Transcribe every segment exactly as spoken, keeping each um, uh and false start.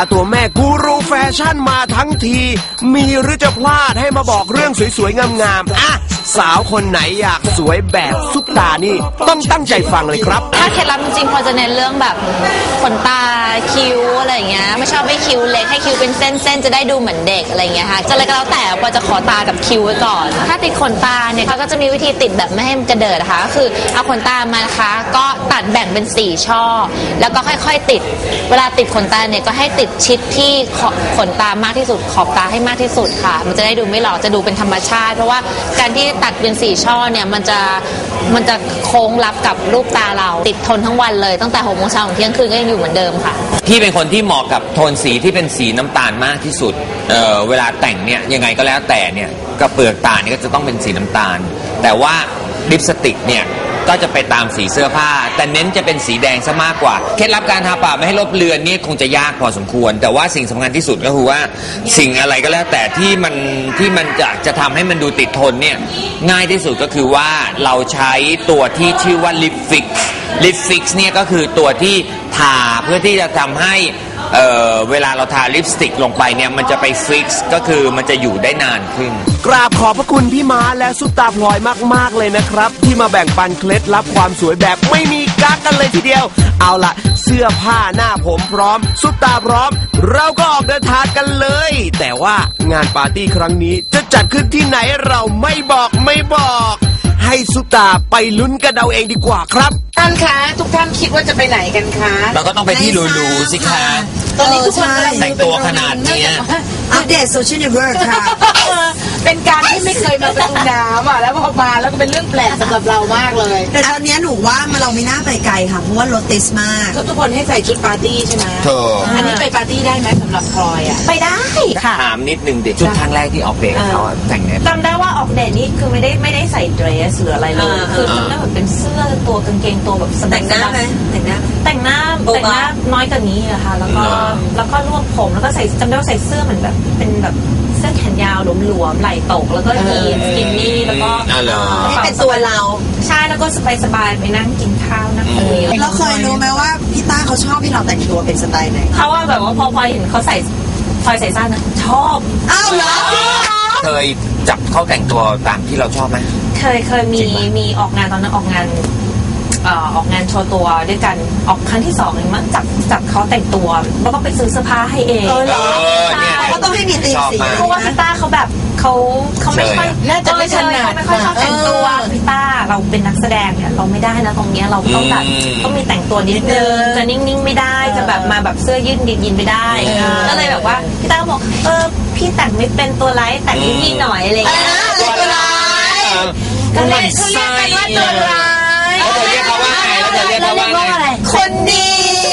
ร์ตัวแม่กูรูแฟชั่นมาทั้งทีมีหรือจะพลาดให้มาบอกเรื่องสวยๆงามๆอ่ะสาวคนไหนอยากสวยแบบซุปตานี่ต้องตั้งใจฟังเลยครับถ้าเคล็ดลับจริงๆพอจะเน้นเรื่องแบบขนตาคิ้วอะไรอย่างเงี้ยไม่ชอบให้คิ้วเล็กให้คิ้วเป็นเส้นๆจะได้ดูเหมือนเด็กอะไรอย่างเงี้ยค่ะจะอะไรก็แล้วแต่พอจะขอตากับคิ้วไว้ก่อนถ้าติดขนตาเนี่ยเขาก็จะมีวิธีติดแบบไม่ให้มันกระเดิดนะคะก็คือเอาขนตามานะคะก็ตัดแบ่งเป็นสี่ช่อแล้วก็ค่อยๆติดเวลาติดขนตาเนี่ยก็ให้ติดชิดที่ขนตามากที่สุดขอบตาให้มากที่สุดค่ะมันจะได้ดูไม่หลอกจะดูเป็นธรรมชาติเพราะว่าการที่ตัดเป็นสี่ช่อเนี่ยมันจะมันจะโค้งรับกับรูปตาเราติดทนทั้งวันเลยตั้งแต่หกโมงเช้าถึงเที่ยงคืนก็ยังอยู่เหมือนเดิมค่ะพี่เป็นคนที่เหมาะกับโทนสีที่เป็นสีน้ำตาลมากที่สุด เ, เวลาแต่งเนี่ยยังไงก็แล้วแต่เนี่ยกระเปลือกตาเนี่ยก็จะต้องเป็นสีน้ำตาลแต่ว่าลิปสติกเนี่ยก็จะไปตามสีเสื้อผ้าแต่เน้นจะเป็นสีแดงซะมากกว่าเคล็ดลับการทาปากไม่ให้ลบเลือนนี่คงจะยากพอสมควรแต่ว่าสิ่งสำคัญที่สุดก็คือว่าสิ่งอะไรก็แล้วแต่ที่มันที่มันจะจะทำให้มันดูติดทนเนี่ยง่ายที่สุดก็คือว่าเราใช้ตัวที่ชื่อว่าลิปฟิกลิปฟิกเนี่ยก็คือตัวที่ทาเพื่อที่จะทำให้เอ่อเวลาเราทาลิปสติกลงไปเนี่ยมันจะไปฟิกซ์ก็คือมันจะอยู่ได้นานขึ้นกราบขอบพระคุณพี่ม้าและซุปตาพลอยมากๆเลยนะครับที่มาแบ่งปันเคล็ดลับความสวยแบบไม่มีกั๊กกันเลยทีเดียวเอาล่ะเสื้อผ้าหน้าผมพร้อมซุปตาพร้อมเราก็ออกเดินทางกันเลยแต่ว่างานปาร์ตี้ครั้งนี้จะจัดขึ้นที่ไหนเราไม่บอกไม่บอกให้ซุปตาไปลุ้นกันเอาเองดีกว่าครับท่านคะทุกท่านคิดว่าจะไปไหนกันคะเราก็ต้องไปที่หรูๆสิคะตอนนี้ทุกคนแต่งตัวขนาดนี้อัปเดตโซเชียลเน็ตเวิร์กค่ะเป็นการที่ไม่เคยมาประตูน้ำอ่ะแล้วพอมาแล้วก็เป็นเรื่องแปลกสำหรับเรามากเลยแต่ตอนนี้หนูว่าเราไม่น่าไปไกลค่ะเพราะว่ารถติดมากทุกคนให้ใส่ชุดปาร์ตี้ใช่ไหมอันนี้ไปปาร์ตี้ได้ไหมสำหรับพลอยอ่ะไปได้ค่ะถามนิดนึงเด็กชุดครั้งแรกที่ออกเดทเขาแต่งเนี่ยจำได้ว่าออกเดทนี่คือไม่ได้ไม่ได้ใส่เดรสหรืออะไรเลยคือจำได้แบบเป็นเสื้อตัวกางเกงตัวแบบแต่งหน้าไหมแต่งหน้าแต่งหน้าแต่งหน้าน้อยกว่านี้อะค่ะแล้วก็แล้วก็รวบผมแล้วก็ใส่จำได้ว่าใส่เสื้อเหมือนแบบเป็นแบบเสื้อแขนยาวหลวมๆไหล่ตกแล้วก็ยีนสกินนี่แล้วก็นี่เป็นตัวเราใช่แล้วก็สบายๆไปนั่งกินข้าวนั่งคุยเราเคยรู้ไหมว่าพี่ต้าเขาชอบที่เราแต่งตัวเป็นสไตล์ไหนเขาว่าแบบว่าพอพอเห็นเขาใส่พอใส่สั้นนะชอบอ้าวเหรอเคยจับเขาแต่งตัวตามที่เราชอบไหมเคยเคยมีมีออกงานตอนนั้นออกงานออกงานโชว์ตัวด้วยกันออกครั้งที่สองเองมั้งจับจับเขาแต่งตัวเราต้องไปซื้อเสื้อผ้าให้เองเออเหรอเขาต้องให้มีตีสีเพราะว่าพี่ต้าเขาแบบเขาเขาไม่ค่อยน่าจะไม่ถนัดไม่ค่อยชอบแต่งตัวพี่ต้าเราเป็นนักแสดงเนี่ยเราไม่ได้นะตรงนี้เราต้องแบบต้องมีแต่งตัวนิดนึงจะนิ่งๆไม่ได้จะแบบมาแบบเสื้อยืดยินไม่ได้ก็เลยแบบว่าพี่ต้าบอกเออพี่แต่งไม่เป็นตัวไร้แต่งให้พี่หน่อยอะไรอย่างเงี้ยตัวร้ายก็เลยเขาเรียกกันว่าตัวร้ายแล้วเธอเรียกเขาว่าไงแล้วเธอเรียกเขาว่าไงคนดี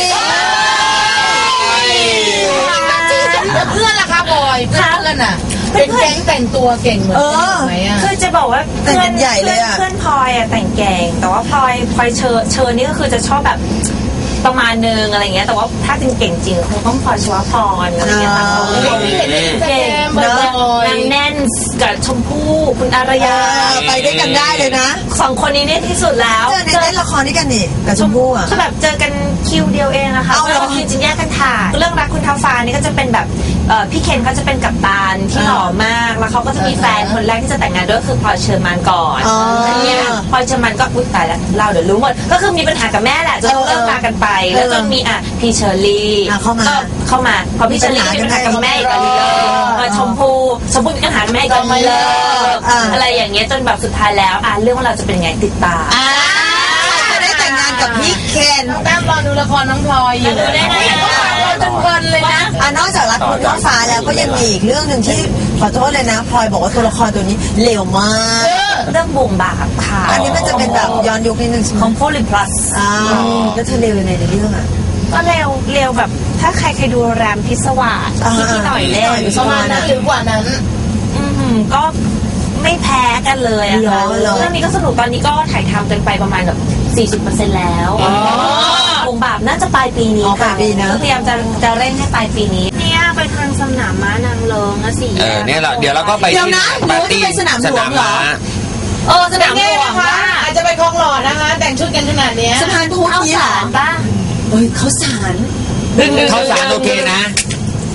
เพื่อนล่ะคะบอยเพื่อนน่ะเป็นแก๊งแต่งตัวเก่งเหมือนกันไหมอ่ะคือจะบอกว่าเพื่อนใหญ่เลยอ่ะเพื่อนพลอยอ่ะแต่งเก่งแต่ว่าพลอยพลอยเชอเชอนี่ก็คือจะชอบแบบประมาณนึงอะไรเงี้ยแต่ว่าถ้าจริงเก่งจริงคงต้องพลอยชวพรอะไรเงี้ยค่ะเก่งนางแน่นกับชมพู่คุณอารยาไปด้วยกันได้เลยนะสองคนนี้เนี่ยที่สุดแล้วเจอในเล่นละครด้วยกันนี่กับชมพู่อ่ะคือแบบเจอกันคิวเดียวเองนะคะแล้วคิวจริงแยกกันถ่ายเรื่องรักคุณท้าฟ้านี่ก็จะเป็นแบบพี่เคนเขาจะเป็นกัปตันที่หล่อมากแล้วเขาก็จะมีแฟนคนแรกที่จะแต่งงานด้วยคือพลอยเชอร์มานก่อนเนี่ยพลอยเชอร์มานก็อุ้ยตายแล้วเราเดี๋ยวรู้หมดก็คือมีปัญหากับแม่แหละจนเลิกรากันไปแล้วจนมีอ่ะพี่เชอร์รี่เข้ามาเข้ามาพอพี่เชอร์รี่มีปัญหากับแม่อีกแล้วมาชมพู่ชมพู่มีปัญหาแม่อีกแล้วมาเลิกอะไรอย่างเงี้ยจนแบบสุดท้ายแล้วอ่ะเรื่องว่าเราจะเป็นยังไงติดตามจะได้แต่งงานกับพี่เคนแต้มรอดูละครน้องพลอยอยู่ได้ไงเราจนเพลินเลยนะอ่ะนอกจากรักคุณท้าฟ้าแล้วก็ยังมีอีกเรื่องนึงที่ขอโทษเลยนะพลอยบอกว่าตัวละครตัวนี้เลวมากเรื่องบุ่มบาปค่ะอันนี้มันจะเป็นแบบย้อนยุคนิดนึงของโพลิพลัสอ่าแล้วเธอเลวยังไงในเรื่องอ่ะก็เร็วเร็วแบบถ้าใครเคยดูแรมพิศวาสที่พี่หน่อยเล่นประมาณนั้นหรือกว่านั้นอืมก็ไม่แพ้กันเลยอะค่ะเรื่องนี้ก็สนุกตอนนี้ก็ถ่ายทำกันไปประมาณแบบ สี่สิบเปอร์เซ็นต์ แล้ววงบาปน่าจะปลายปีนี้ค่ะพยายามจะจะเร่งให้ปลายปีนี้เนี่ยไปทางสนามม้านางเลิงนะสิเออเนี่ยเราเดี๋ยวเราก็ไปที่ปาร์ตี้สนามหลวงเหรอเออสนามหลวงค่ะอาจจะไปคลองหลอดนะคะแต่งชุดกันขนาดนี้สะพานพุทธนี่หรอป่ะเอ้ยเขาสารเขาสารโอเคนะ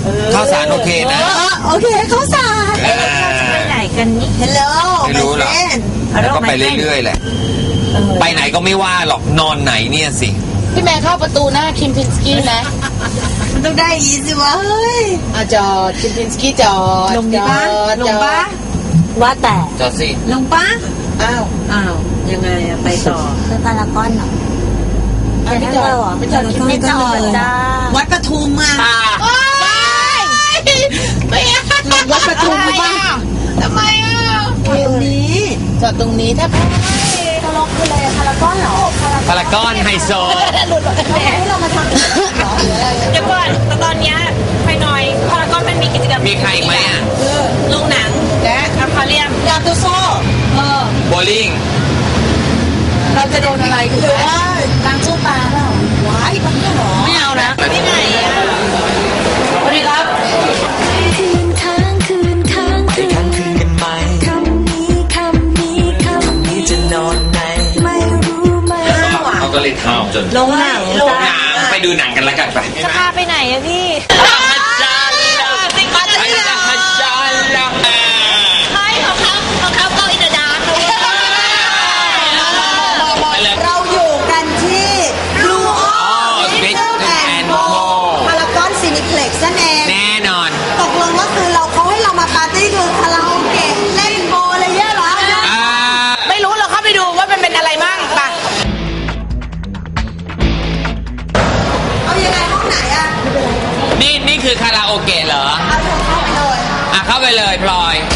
ข้าวสารโอเคนะโอเคข้าวสารอ่าไปไหนกันนี่ฮัลโหลไม่รู้หรอกแล้วก็ไปเรื่อยๆแหละไปไหนก็ไม่ว่าหรอกนอนไหนเนี่ยสิพี่แม่เข้าประตูหน้าคิมพินสกี้นะมันต้องได้อีสิวะเฮ้ยอ่ะจอดคิมพินสกี้จอดลงดิป้าจอดลงป้าว่าแต่จอดสิลงป้าอ้าวอ้าวยังไงอะไปต่อไปพารากอนเหรออ้าวไม่จอดไม่จอดคิมไม่พินจอดจ้าวัดปทุมมาไม่ลงวัดประตูบ้างทำไมอ่ะตรงนี้จอดตรงนี้ถ้าตลกคืออะไรพารากอนเหรอพารากอนไฮโซให้เรามาทำเดี๋ยวก่อนแต่ตอนเนี้ยไปหน่อยพารากอนมันมีกิจกรรมมีใครอีกไหมอ่ะโรงหนังและอควาเรียมยาตุโซ่เออโบลิ่งเราจะโดนอะไรกันเลยล้างตู้ปลาเปล่าว้ายมันก็หรอไม่เอานะที่ไหนอ่ะสวัสดีครับคืนค้างคืนค้างคืนค้างคืนกันไหมคำนี้คำนี้คำนี้จะนอนไหนไม่รู้ไหมเขาก็เลยทำจนลงหนังหนังไปดูหนังกันแล้วกันไปจะพาไปไหนอะพี่ ใช่ของเขาของเขาก็อินเดอะดาร์กเราอยู่กันที่บลูออ Big and Co พารากอนซินิเพล็กซ์นั่นเองแน่นอนตกลงว่าคือเราเขาให้เรามาปาร์ตี้คือคาราโอเกะเล่นโบอะไรเงี้ยเหรออ่าไม่รู้เราเข้าไปดูว่ามันเป็นอะไรบ้างป่ะเอายังไงห้องไหนอะนี่นี่คือคาราโอเกะเหรอเอาเธอเข้าไปเลยอ่ะเข้าไปเลยพลอย